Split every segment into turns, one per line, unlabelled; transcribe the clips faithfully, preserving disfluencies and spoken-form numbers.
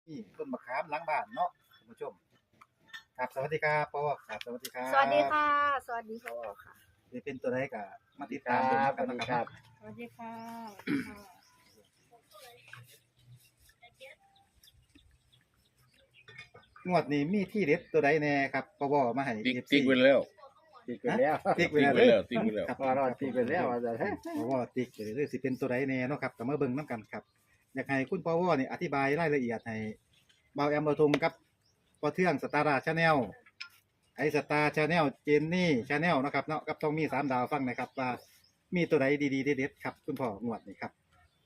นี่ต้นมะขามหลังบ้านเนาะท่านผู้ชมครับสวัสดีครับพ่อครับสวัสดีครับ
สวัสดีค่ะ สวัสดีพ่อค่ะ
นี่เป็นตัวใดก็มาติดตามดูกันนะครับ
สวัสดีค่ะ
งวดนี้มีที่เด็ดตัวใดแน่ครับพ่อมาให้
ติ๊ก
เอฟซี
ติ๊กไว้แล้ว
ติ๊กไปแล้ว
ติ๊ก
ติ๊ก
ไว้
ไว้
แล้
แล้ว วติ๊กไว้แล้ว
ครับ
พอรอดติ๊กไปแล้วว่าจะให้
พ่อติ๊กไปเรื่อยๆสิเป็นตัวใดแน่เนาะครับก็มาเบิ่งนํกันครับอยากให้คุณพ่อนี่อธิบายรายละเอียดให้เบาแอมเบาทงกับพ่อเทืองสตาร์ราชาแนลไอสตาร์ชาแนลเจนนี่ชาแนลนะครับเนาะกับต้องมีสามดาวฟังนะครับว่ามีตัวใดดีๆเด็ดๆครับคุณพ่องวดนี้ครับ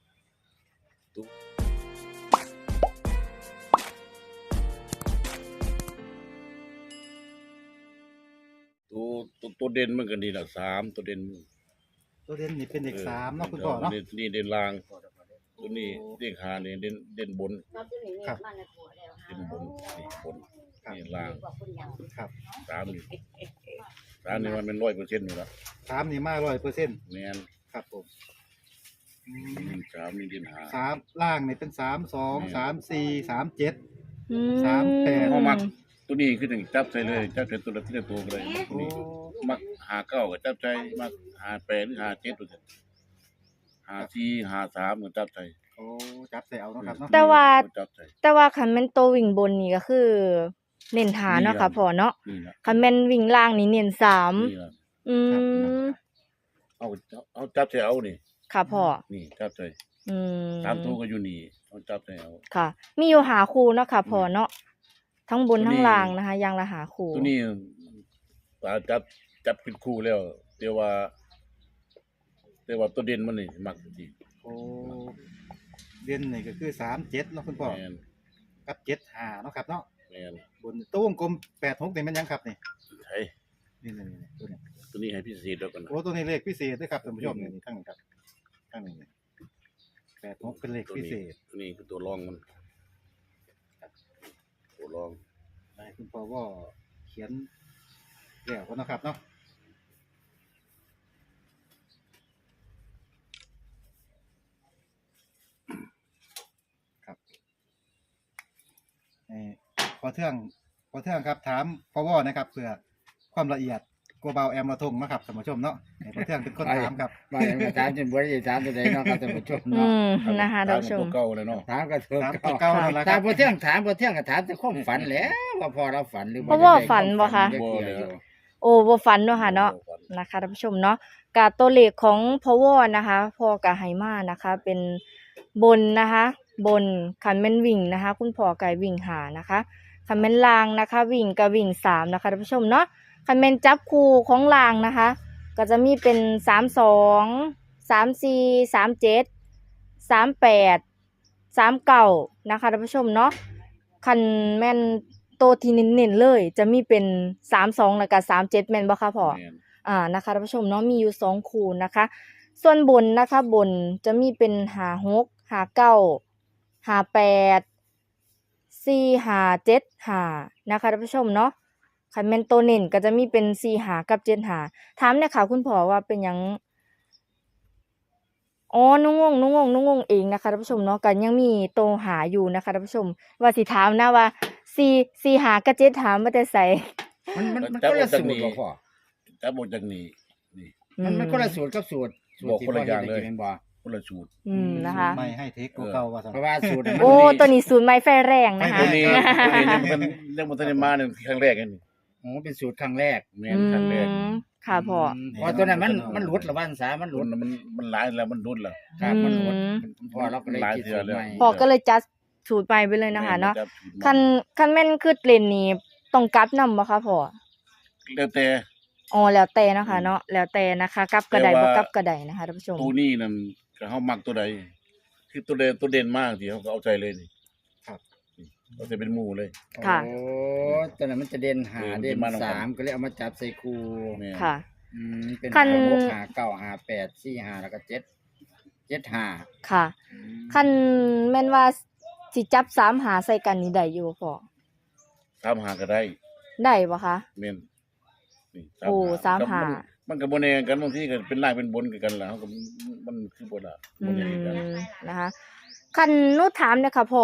ตัวตัวตัวเด่นมันก็นี่แหละสามตัวเด่น
ตัวเด่นนี่เป็นเด็กสามเนาะคุณพ่อเนาะ
นี่นี่เด่นล่างตัวนี้เด่นหานี่เด่นเด่นบน
ครับ
เด่นบนนี่บนนี่ล่าง
ครับ
สามนี่สามนี่มันเป็นร้อยเปอร์เซ็นต์อยู่แล้ว
สามนี่มาร้อยเปอร์เซ็นต์
แม่น
ครับผมอืม
เด่นสามนี่เด่นหา
สามล่างนี่เป็นสามสอง
อืม
สามสี่สามเจ็ด
อื
สามแปด
เอามักตัวนี้คือถึงจับใส่เลยจับใส่ตัวละที่ละตัวก็เลยตัว
โอ้
นี้มักหาเก้าก็จับใจมักหาแปดหรือหาเจ็ดตัวเถอะหาสี่หาสามก็จับใจ
โอ้จับใส่เอาเนาะครับเนาะ
แต่ว่า
จับใจ
แต่ว่าคันแม่นโตววิ่งบนนี่ก็คือ เน้นหาเนาะค่ะพ่อเนาะ
นี่นะ
คันแม่นวิ่งล่างนี่เน้นสาม
นี่นะ
อืม
เอาเอาจับใจเอานี่
ค่ะพ่อ
นี่จับใจ
อืม
ตามตัวก็อยู่นี่เอาจับใจเอา
ค่ะ มีอยู่หาคู่เนาะค่ะพ่อเนาะทั้งบน
ตัวนี้
ทั้งล่างนะคะอย่างละหาคู่
ตัวนี้ปลาจับจับเป็นคู่แล้วแต่ว่าแต่ว่าตัวเด่นมันนี่มักจริง
โอ้เด่นนี่ก็คือสามเจ็ดเนาะคุณพ่อ
แม่น
กับเจ็ดห้าเนาะครับเนาะ
แม่น
บนตัววงกลมแปดหกนี่มันยังครับนี่
ใช่
นี่นี่นี่ตัวนี้
ตัวนี้ให้พิเศษแล้วกันนะ
โอ้ตัวนี้เลขพิเศษด้วยครับท่านผู้ชมนี่นี่ข้างนี้ครับข้างนี้นี่แปดหกเป็นเลข
ตัว
พิ
นี้
เศษ
ตัวนี้คือตัวรองมันตัวรอง
ให้คุณพ่อว่าเขียนแล้วก็นาะครับเนาะครับเอ่อพอเทื่องพอเทื่องครับถามพ่อว่านะครับเพื่อความละเอียดกลัวเบาแอมมาทงนะครับท่านผู้ชมเนาะให้พอเทื่องเป็นคนถามครับ
มาอย่างถามจนบ่ได้ถามตัวใดเนาะครับท่านผู้ชม
อื
เนาะ
มนะคะท่านผู้ช
ตัว
ม
เก่าเลยเนาะ
ถามก็ถูก
ถามตัวเก่านั่นแหละค
ถา
รั
ม
บ
บ่เที่ยงถามบ่เที่ยงก็ถามแต่ความฝันแหล้วว่าพอเราฝันหรือ
เพราะว่าฝันบ่คะ
ได้เกี่ยวอยู่
โอ้บ่ฟันเนาะค่ะเนาะ นะคะท่านผู้ชมเนาะกาตัวเลขของพอวอนะคะพ่อกะไฮมานะคะ เป็นบนนะคะ บนคันแม่นวิ่งนะคะ คุณพ่อไก่วิ่งหานะคะคันแม่นลางนะคะ วิ่งกับวิ่งสามนะคะท่านผู้ชมเนาะคันแม่นจับคู่ของลางนะคะ ก็จะมีเป็นสามสองสามสี่สามเจ็ดสามแปดสามเก้านะคะท่านผู้ชมเนาะคันแม่นโตวที่เน้นๆเลย จะมีเป็นสามสองแล้วก็สามเจ็ดแม่นบ่คะพ่อ
แม่น
อ่านะคะท่านผู้ชมเนาะมีอยู่สองคู่นะคะ ส่วนบนนะคะบนจะมีเป็นหาหกหาเก้าหาแปดสี่หาเจ็ดหานะคะท่านผู้ชมเนาะคันแม่นตัวเน้นก็จะมีเป็นสี่หากับเจ็ดหาถามเนี่ยค่ะคุณพ่อว่าเป็นหยังอ๋อนุ่งงงนุ่งงงนุ่งงงเองนะคะท่านผู้ชมเนาะกันยังมีโตวหาอยู่นะคะท่านผู้ชม ว่าสิถามนะว่าสี่สี่หากับเจ็ดหามาแต่ใส่
มันมันมันคนละสูตรบ่พ่อ
จับหมดจากนี้นี่
มันมันคนละสูตรกับสูตรสูตร
บอก
ที่
คนละอย่างเลย
พ่ฮ็ดให้กินบ่
คนละสูตร
อืมนะคะ
ไม่ให้เทคกูเก่าว่าซั่น
เพราะว่าสูตรน่ะมัน
โอ้ตัวนี้ศูนย์ไม้ไฟแรงนะคะ
ตัวนี้ตัวนี้ยังมันยังมันทันได้มาเนี่ยครั้งแรกกันนี่
โอ้เป็นสูตรครั้งแรก
แม่นครั้งแรก
อืมค่ะพ่อ
มเพราะตัวนั้นมันมันหลุดละวันสามันหลุ
รุ่
ด
นมันมันหลายแล้วมันรุ่นแล้ว
ครับมันหลุด
อืม
พอเราก็เลยคิดสูตรใหม่
พ่อก็เลยจัดสูตรไปไปเลยนะคะเนาะ
แม่จับสูตร
คันคันแม่นคือเล่นนี่ต้องกลับนำบ่คะพ่อ
แล้วแต่
อ๋อแล้วแต่นะคะเนาะแล้วแต่นะคะกลับกระได
แต่
บ่
ว่า
กลับกระไดนะคะท่านผู้ชม
ตัวนี้นั่นก็เฮามักตัวใดคือตัวเด่นตัวเด่นมากที่เขาก็เอาใจเลยนี่
ครับ
นี่เอาใจเป็นหมู่เลย
ค่ะ
โอ้ตัวนั้นมันจะเด่นหา
เออ
เด่น
มันจะมาลงกัน
สามก็เลยเอามาจับใส่คู่
แม่น
ค่ะ
อืมเป็น
คั
หาน หกหาเก้าหาแปดสี่หาแล้วก็เจ็ดเจ็ดหา
ค่ะ
อืม
คันแม่นว่าสิจับสามหาใส่กันนี่ได้อยู่บ่พ่อ
ตามหาก็ได้
ได้บ่คะ
แม่นนี่
โอ้สามหา
มันก็บ่แน่กันบางทีก็เป็นล่างเป็นบนคือกันล่ะเฮาก็มันคือบ่ล่ะ
อื
บ่แน่กัน
มนะคะคันหนูถามเนี่ยค่ะพ่อ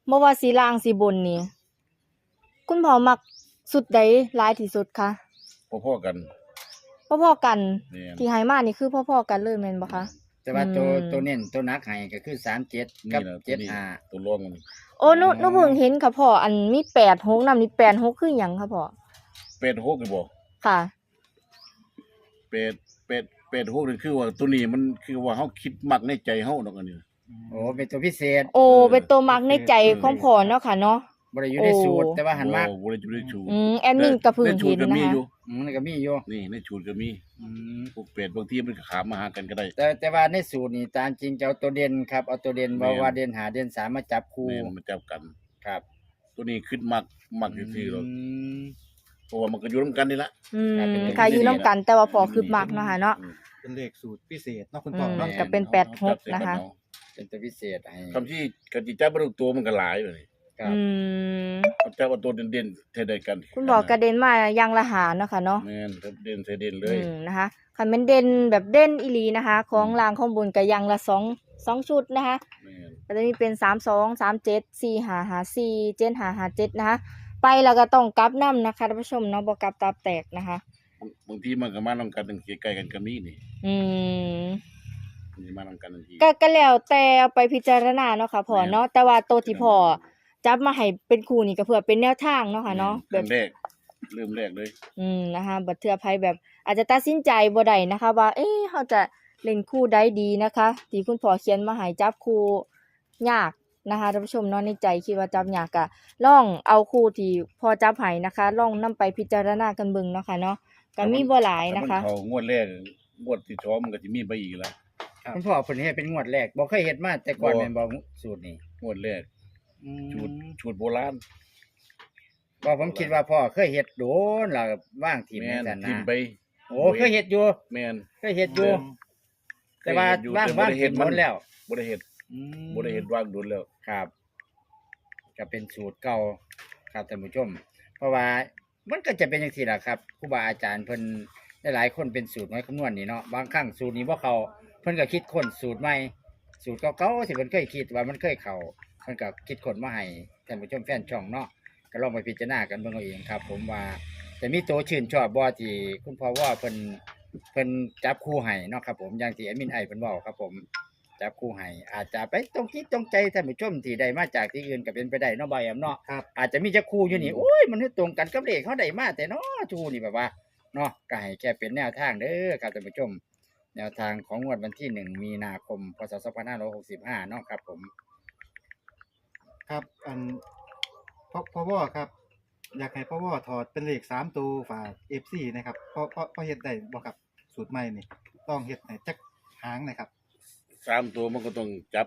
บ่ว่าสีล่างสีบนนี่คุณพ่อมักสุดใดหลายที่สุดคะ
พอๆกัน
พ่อๆกัน
แม่น
ที่ให้มานี่คือพ่อๆกันเลยแม่นบ่คะ
แต่ว่าตัว
อืม
ตัวเน้นตัวนักให้ก็คือสามเจ็ดกั
นี่
บ
แหละตัว
เจ็ด
นี้
ห้า
ตัวรองมัน
โอ้หนูหนูเพิ่งเห็นค่ะพ่ออันมีแปดหกนำนี่แปดหกคือหยังคะพ่อ
เป็ดหกนี่บ่
ค่ะ
เป็ดเป็ดเป็ดหกนี่คือว่าตัวนี้มันคือว่าเฮาคิดมักในใจเฮาดอกอันนี้
โอ้เป็นตัวพิเศษ
โอ้เป็นตัวมักในใจของพ่อเนาะค่ะเนาะ
บ่ได้อยู่ในสูตร
โอ้
แต่ว่าหันมาก
บ่บ่ได้อยู่ในชูด
อืมแอดมินก็เพิ่ง
ในชู
เห็
ด
น
ก็
นะ
มี
คะ
อยู่
อืมมันก็มีอยู่
นี่ในชูดก็มี
อืม
พวกเป็ดบางทีมันก็ขามมาหากันก็ได้
แต่แต่ว่าในสูตรนี่ตามจริงจะเอาตัวเด่นครับเอาตัวเด่น
แม่
ว่าน ว่าเด่นหาเด่นสามมาจับคู่
แม่นมันจับกัน
ครับ
ตัวนี้คิดมักมักซื่อๆหรอก
ม
เพราะว่ามันก็อยู่นํกันนี่ล่ะ
อืม
ครับเป็น
ค่ะ
เป็น
อยู่นํกันแต่ว่าพ่อคือมักเนาะค่ะเนาะ
อืม
เป็นเลขสูตรพิเศษเนาะคุณ
อื
พ่อ
ม
เนาะ
ก็เป็นแปดหกนะคะ
เป็นตัวพิเศษให้
คำที่กติจับบ่ทุกตัวมันก็หลายเลย
ครับ
อืม
เอาจับเอาตัวเด่นๆเท่าใดกัน
คุณพ่อกระเด็นมาอย่างละหาเนาะค่ะเนาะ
แม่นครับเด่นใส่เด่นเล
อื
ย
มนะคะคันเป็นเด่นแบบเด่นอีหลีนะคะ ของรางข้างบนก็อยังละสองสองชุดนะคะ
แม่น
ก็จะมีเป็นสามสองสามเจ็ดสี่ห้าห้าสี่เจ็ดห้าห้าเจ็ดนะคะ ไปแล้วก็ต้องกลับน้ำนะคะท่านผู้ชมเนาะบ่กลับตาแตกนะคะ
บางบางทีมันก็มานำกันจังซี่ใกล้กันก็มีนี่
อืม
มันสิมานำกันจังซี่
ก็ก็แล้วแต่เอาไปพิจารณาเนาะค่ะพ่อเนาะแต่ว่าตัวที่พ่อจับมาให้เป็นคู่นี่ก็เพื่อเป็นแนวทางเนาะค่ะเนาะแบ
เริ่
บ
มแรกเริ่มแรกเลย
อืมนะคะบัดเทื่อไผแบบ อาจจะตัดสินใจบ่ได้นะคะ ว่า เอ๊ะเฮาจะเล่นคู่ใดดีนะคะที่คุณพ่อเขียนมาให้จับคู่ยากนะคะท่านผู้ชมเนาะในใจคิดว่าจับยากก็ลองเอาคู่ที่พอจับให้นะคะลองนำไปพิจารณากันเบิ่งเนาะค่ะเนาะก็มีบ่หลายนะคะ
ถ้ามัเขางวดแรกงวดที่สองมันก็สิมีไปอีกแล้ว
คุณพ่อเพิ่นเฮ็ดเป็นงวดแรกบ่เคยเฮ็ดมาแต่ก่อน
บ่
แม่นบ่สูตรนี้
งวดแรก
อื
ชุด
ม
ชุดโบราณ
บ่ผมคิดว่าพ่อเคยเฮ็ดโดนแล้วก็ว่างทีม
แม่น
จังซั่น
ทิม
นะ
ไป
โอ้เคยเฮ็ดอยู่
แม่น
เคยเฮ็ดอยู่ แต่ว่า
เคยเฮ็ดอยู่
ว่าง
แต่บ่
ว่าง
ได้เฮ็
เฮ็
ด
ด
มั
มัน นแล้ว
บ่ได้เฮ็ด
อืม
บ่ได้เฮ็ดวางโดนแล้ว
ครับ ก็เป็นสูตรเก่าครับท่านผู้ชม เพราะว่ามันก็จะเป็นจังซี่ล่ะครับครูบาอาจารย์เพิ่นหลายๆคนเป็นสูตรไว้คำนวณนี่เนาะบางครั้งสูตรนี้บ่เข้าเพิ่นก็คิดค้นสูตรใหม่สูตรเก่าๆที่เพิ่นเคยคิดว่ามันเคยเข้าเพิ่นก็คิดค้นมาให้ท่านผู้ชมแฟนช่องเนาะก็ลองไปพิจารณากันเบิ่งเอาเองครับ ผมว่าแต่มีตัวชื่นชอบบ่ที่คุณพ่อว่าเพิ่นเพิ่นจับคู่ให้เนาะครับผมอย่างที่แอดมินไอเพิ่นเว้าครับผม จับคู่ให้อาจจะไปตรงที่ตรงใจท่านผู้ชมที่ได้มาจากที่อื่นก็เป็นไปได้เนาะบ่ายแอมเนาะ
ครับ
อาจจะมีจักคู่อยู่นี่โอ้ยมันตรงกันกับเลขเขาได้มาแต่เนาะทูนี่แบบว่าเนาะก็ให้แค่เป็นแนวทางเด้อครับท่านผู้ชม แนวทางของงวดวันที่หนึ่งมีนาคมพศสองพันห้าร้อยหกสิบห้าเนาะครับผม
ครับอันพ่อพ่อว่าครับ อยากให้พ่อว่าถอดเป็นเลขสามตัวฝาก เอฟ ซี นะครับพ่อพ่อพ่อเฮ็ดได้บ่ครับสูตรใหม่นี่ต้องเฮ็ดให้จักหางหนะครับ
สามตัวมันก็ต้องจับ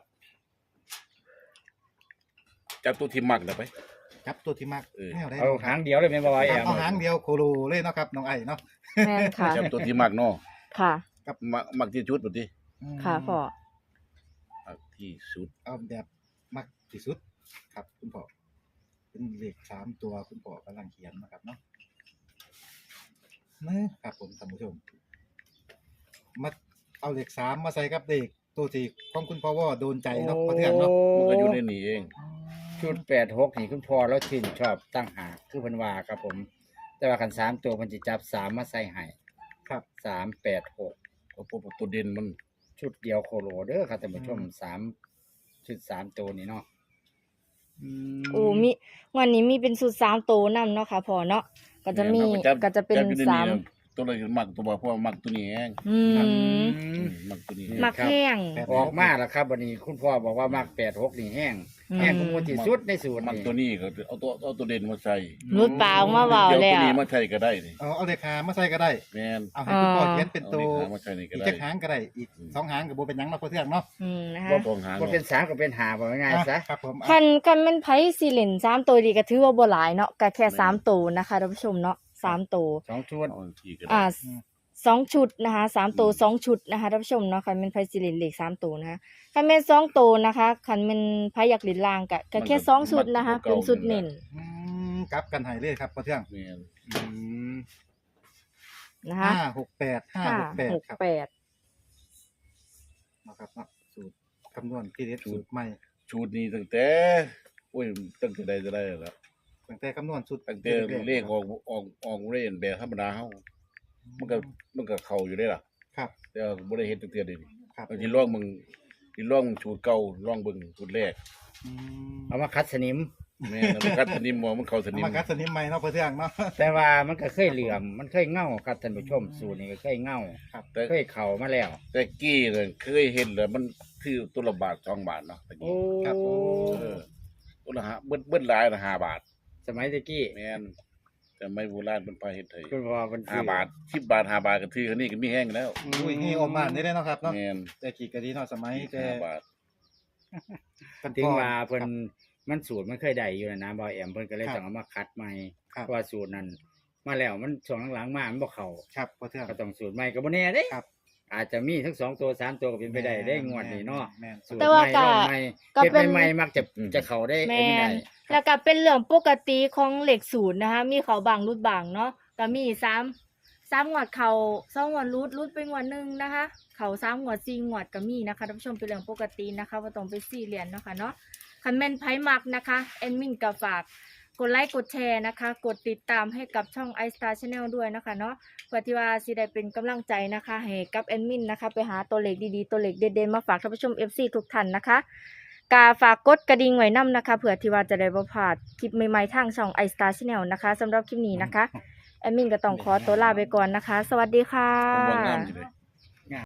จับตัวที่มักน่ะไป
จับตัวที่มัก
เออ
แนวได้
เอาหางเดียวเลยแม่นบ่บ่ายแอม
เอาหางเดียวโคโลเลยเนาะครับน้องไอ้เนาะ
แม่นค่ะ
จับตัวที่มักเนาะ
ค่ะ
มักมักที่สุดบ่ติ
อืม
ค่ะพ่อ
มักที่สุด
เอาแบบมักที่สุดครับคุณพ่อเป็นเลขสามตัวคุณพ่อกำลังเขียนนะครับเนาะนะครับผมท่านผู้ชมมาเอาเลขสามมาใส่กับเลขตัวที่ของคุณพ่อว่าโดนใจเนาะพอเทื่องเนาะ
มันก็อยู่ในนี้เอง
ชุดแปดหกนี่คุณพ่อแล้วชื่นชอบตั้งหากคือเพิ่นว่าครับผม แต่ว่าคันสามตัวเพิ่นสิจับสามมาใส่ให้
ครับ
สามแปดหก
เพราะว่าตัวเด่นมัน
ชุดเดียวโคโลเด้อครับท่านผู้ชม
อืม
สามชุดสามตัวนี้เนาะอืม
โอ้มีวันนี้มีเป็นสูตรสามตัวนํเนาะค่ะพ่อเนาะก็จะมี
แนจับ
ก็จะเป็น
จับอยู่ใ
สาม
ะตัวอะไรมักตัวบ่เพราะว่ามักตัวนี้แฮง
อืม
อืม
อืมมักตัวนี้
มักแห้ง
แปด
ออกมาแล้วครับวันนี้คุณพ่อบอกว่ามักแปดหกนี่แห้ง
อืม
แห้งกุมูที่สุดในสูตร
มัก
นี่
ตัวนี้ก็เอาตัวเอาตัวเด่นมาใส่
รุดปากมาเว้า
เดี๋ยว
แล้
ตัว
ว
นี้มาใส่ก็ได้นี่
เอาเอาเลขหามาใส่ก็ได้
แม่น
เอาให้คุณพ่อ
อ่า
เขียนเป็น
เอา
ตัว
นี่ขามาใส่นี่ก็
อีก
ได้
จักหางก็ได้ อีกสองหางก็บ่เป็นหยังเนาะพอเทื่องเนาะ
อืมนะคะ
บ่ต้องหา
ก็เป็นสามก็เป็นหาบอกง่ายๆซะ
อ่ะครับผมอ่ะ
คันคันแม่นไผสิเล่นสามตัวดีก็ถือว่าบ่หลายเนาะก็แค่สามตัวนะคะท่านผู้ชมเนาะสามตัว
สองชุด
เอาทีก็ได้
อ่าสองชุดนะคะสามตัวสองชุดนะคะท่านผู้ชมเนาะคันแม่นไผสิเล่นเลขสามตัวนะคะคันแม่นสองตัวนะคะคันแม่นไผอยากเล่นล่างก็ก็แค่สองชุดนะคะเป็นชุดเน้น
อืมกลับกันให้เลยครับพอเทื่อง
แม่น
อืม
นะคะ
ห้าหกแปดห้า
ห้า
หกแปด
หก
ครับ
แปด
นะครับเนาะสูตรคำนวณที่เด็ดสูตรใหม่
ชุดนี้ตั้งแต่โอ้ยตั้งแต่ใดจะได้แล้ว
ตั้งแต่คำนวณสุด
ตั้งแต่เลขออกออกออกเล่นแบบธรรมดาเฮามันก็มันก็เข้าอยู่ได้ล่ะ
ครับ
แต่ว่าบ่ได้เฮ็ดตั้งแต่เดี๋ยวนี้
ครับ
เอาสิลองมึงสิลองสูตรเก่าลองเบิ่งสูตรแรก
อืม
เอามาคัดสนิม
แม่นมันกัดสนิมบ่มันเข้าส
เอา
นิม
มากัดสนิมใหม่เนาะพอเทื่องเนาะ
แต่ว่ามันก็เคยเหลื่อม มันเคยเง่าครับท่านผู้ชมสูตรนี้ก็เคยเง่า
แต่
เคยเข่ามาแล้ว
แต่กี้เนี่ยเคยเห็นแล้วมันคือตัวละบาทสองบาทเนาะตะ
โอ้
กี้
ครับโอ้
เออตัวละห้าเบิ้ลเบิ้ลหลายละห้าบาท
สมัยตะกี้
แม่นแต่ไม่โบราณเป็นพาเฮ็ดให้
คุณพ่อมัน
ห้าบาทสิบบาทห้าบาทก็ถือคันนี้ก็มีแห้งแล้ว
อุ้ยนี่ออกมาได้เนาะครับเนาะ
แม่น
แต่กี่ก็ดีเนาะสมัยแต่
ห้าบาท
ถึงว่าเพิ่น
ครับ
มันสูตรมันเคยได้อยู่นะนะบ่าวแอมเพิ่นก็เลย
ครับ
ต้องเอามาคัดใหม่
ครับ
เพราะว่าสูตรนั้นมาแล้วมันช่วงหลังๆมามันบ่เข้า
ครับพอเทื่อง
ก็ต้องสูตรใหม่ก็บ่แน่เด้
ครับ
อาจจะมีทั้งสองตัวสามตัวก็เป็นไปได้ได้งวดนี้เนาะ
แม่น
สูตร
แต่ว่า
ใหม่
ก็
รอบใหม่
ก็
เฮ็ด
เป็น
ใหม่ๆมักจะจะเข้าได้
แม
ไอ้นี่ได้
นแล้วก็เป็นเรื่องปกติของเหล็กศูนย์นะคะ มีเขาบางรุดบางเนาะก็มีสามสามงวดเขาสองงวดรุดรุดไปงวดหนึงนะคะ เขาสามงวดสี่งวดก็มีนะคะท่านผู้ชมเป็นเรื่องปกตินะคะว่าต้องไปสี่เหรียญเนาะค่ะเนาะคันแม่นไพ่มักนะคะแอดมินก็ฝากกดไลค์กดแชร์นะคะ กดติดตามให้กับช่อง iStar Channel ด้วยนะคะเนาะเพื่อที่ว่าสิได้เป็นกำลังใจนะคะให้กับแอดมินนะคะ ไปหาตัวเลขดีๆตัวเลขเด่นๆมาฝากท่านผู้ชม เอฟ ซี ทุกท่านนะคะ กาฝากกดกระดิ่งไว้นํนะคะเผื่อที่ว่าจะได้บ่พลาดคลิปใหม่ๆทางช่อง iStar Channel นะคะสำหรับคลิปนี้นะคะแอดมินก็ต้องขอตัวลาไปก่อนนะคะ สวัสดีค่ะ
ผมว่างามอยู่เลย